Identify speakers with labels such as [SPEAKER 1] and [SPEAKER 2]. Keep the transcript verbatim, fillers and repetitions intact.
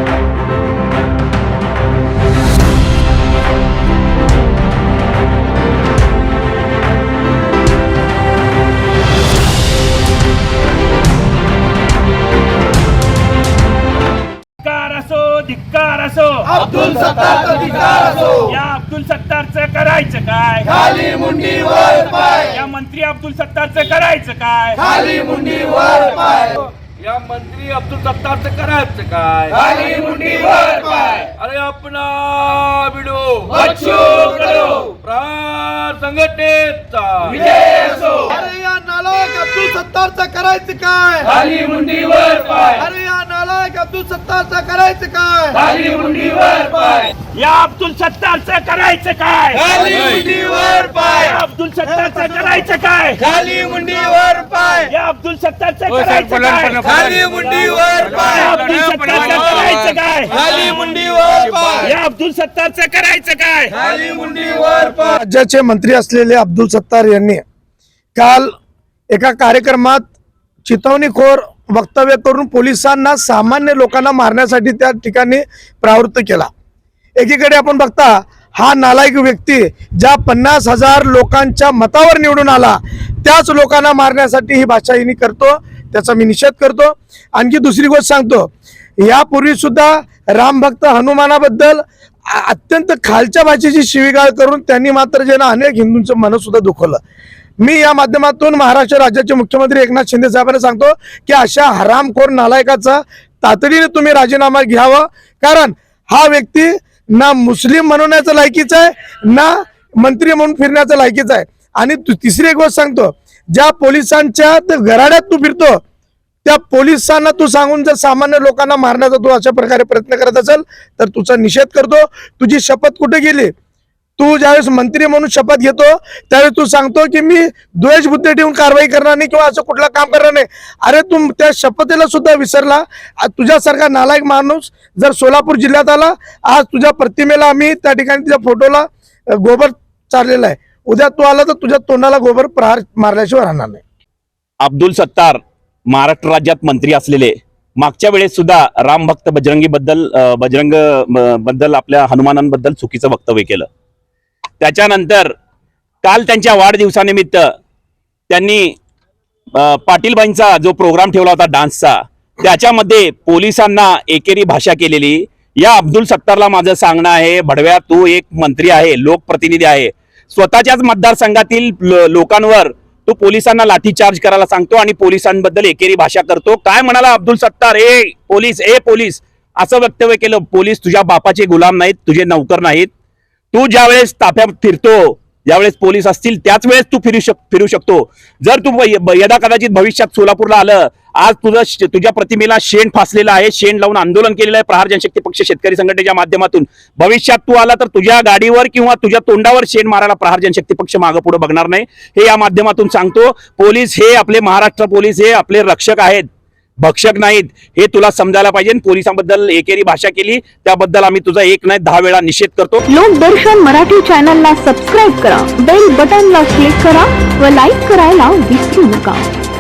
[SPEAKER 1] धिक्कार असो,
[SPEAKER 2] अब्दुल सत्तारचा धिक्कार असो,
[SPEAKER 1] या अब्दुल सत्तारचं करायचं काय?
[SPEAKER 2] खाली मुंडी वर पाय,
[SPEAKER 1] या मंत्री अब्दुल सत्तारचं करायचं काय?
[SPEAKER 2] खाली मुंडी वर पाय,
[SPEAKER 3] या मंत्री अब्दुल सत्तारचं करायचं काय?
[SPEAKER 2] खाली मुंडी वर पाय,
[SPEAKER 3] अरे अपना बिडो
[SPEAKER 2] बच्चू कडू
[SPEAKER 3] प्रहार संघटनेचा
[SPEAKER 2] विजय असो,
[SPEAKER 4] अरे या नालायक अब्दुल सत्तारचं करायचं काय?
[SPEAKER 2] खाली मुंडी वर पाय,
[SPEAKER 4] अरे या नालायक अब्दुल सत्तारचं करायचं काय?
[SPEAKER 2] खाली मुंडी वर पाय,
[SPEAKER 1] या अब्दुल सत्तारचं करायचं काय?
[SPEAKER 2] खाली मुंडी वर पाय,
[SPEAKER 1] या अब्दुल सत्तारचं करायचं काय?
[SPEAKER 2] खाली मुंडी वर पाय,
[SPEAKER 1] या अब्दुल सत्तारचं करायचं काय?
[SPEAKER 2] खाली मुंडी वर पाय,
[SPEAKER 1] या अब्दुल सत्तारचं करायचं काय?
[SPEAKER 2] खाली मुंडी वर पाय,
[SPEAKER 1] या अब्दुल सत्तारचं करायचं काय?
[SPEAKER 2] खाली मुंडी वर पाय.
[SPEAKER 4] राज्याचे मंत्री असलेले अब्दुल सत्तार यांनी काल एका कार्यक्रमात चितवणीखोर वक्तव्य करून पोलिसांना सामान्य लोकांना मारण्यासाठी त्या ठिकाणी प्रवृत्त केला. एकीकडे आपण बघता हा नालायक व्यक्ती ज्या पन्नास हजार लोकांच्या मतावर निवडून आला त्याच लोकांना मारण्यासाठी ही भाषाहिनी करतो, त्याचा मी निषेध करतो. आणखी दुसरी गोष्ट सांगतो, यापूर्वी सुद्धा रामभक्त हनुमानाबद्दल अत्यंत खालच्या भाषेची शिवीगाळ करून त्यांनी मात्र जे ना अनेक हिंदूंचं मन सुद्धा दुखवलं. मी या माध्यमातून महाराष्ट्र राज्याचे मुख्यमंत्री एकनाथ शिंदे साहेबांना सांगतो की अशा हरामखोर नालायकाचा तातडीने तुम्ही राजीनामा घ्यावा, कारण हा व्यक्ती ना मुस्लिम म्हणण्याचा लायकीचा आहे ना मंत्री म्हणून फिरण्याचा लायकीचा आहे. आणि तिसरी एक गोष्ट सांगतो, ज्या पोलिसांच्या घराड्यात तू फिरतो त्या पोलिसांना तू सांगून जर सामान्य लोकांना मारण्याचा तू अशा प्रकारे प्रयत्न करत असेल तर तुझा निषेध करतो. तुझी शपथ कुठे गेली? तू ज्यावेळेस मंत्री म्हणून शपथ घेतो त्यावेळेस तू सांगतो की मी द्वेष बुद्धी ठेवून कारवाई करणार नाही किंवा असं कुठलं काम करणार नाही. अरे तू त्या शपथेला सुद्धा विसरला. तुझ्यासारखा नालायक माणूस जर सोलापूर जिल्ह्यात आला, आज तुझ्या प्रतिमेला आम्ही त्या ठिकाणी तुझ्या फोटोला गोबर चाललेला आहे, उद्या तू आला तर तुझ्या तोंडाला गोबर प्रहार मारल्याशिवाय राहणार नाही.
[SPEAKER 5] अब्दुल सत्तार महाराष्ट्र राज्यात मंत्री असलेले मागच्या वेळेस सुद्धा रामभक्त बजरंगी बद्दल बजरंग बद्दल आपल्या हनुमानांबद्दल चुकीचं वक्तव्य केलं. त्याच्यानंतर काल त्यांच्या वाढदिवसानिमित्त त्यांनी पाटीलबाईंचा जो प्रोग्राम ठेवला होता डान्सचा, त्याच्यामध्ये पोलिसांना एकेरी भाषा केलेली. या अब्दुल सत्तारला माझं सांगणं आहे, भडव्या तू एक मंत्री आहे, लोकप्रतिनिधी आहे, स्वतःच्याच मतदारसंघातील लोकांवर तू पोलिसांना लाठीचार्ज करायला सांगतो आणि पोलिसांबद्दल एकेरी भाषा करतो. काय म्हणाला अब्दुल सत्तार? ए पोलीस, ए पोलीस असं वक्तव्य केलं. पोलीस तुझ्या बापाचे गुलाम नाहीत, तुझे नौकर नाहीत. तू ज्यावेळेस ताफ्यात फिरतो, ज्यावेळेस पोलीस असतील त्याच वेळेस तू फिरू शक फिरू शकतो. जर तू यदा कदाचित भविष्यात सोलापूरला आलं, आज तुझं तुझ्या प्रतिमेला शेण फासलेलं आहे, शेण लावून आंदोलन केलेलं आहे प्रहार जनशक्ती पक्ष शेतकरी संघटनेच्या माध्यमातून. भविष्यात तू आला तर तुझ्या गाडीवर किंवा तुझ्या तोंडावर शेण मारायला प्रहार जनशक्ती पक्ष मागं पुढे बघणार नाही, हे या माध्यमातून सांगतो. पोलीस हे आपले महाराष्ट्र पोलीस हे आपले रक्षक आहेत, भक्षक नाहीत, हे तुला समजायला पाहिजे. पोलिसांबद्दल एकेरी भाषा केली त्याबद्दल आम्ही तुझा एक नाही दहा वेळा निषेध करतो.
[SPEAKER 6] लोकदर्शन मराठी चॅनलला सबस्क्राईब करा, बेल बटनला क्लिक करा व लाईक करायला विसरू नका.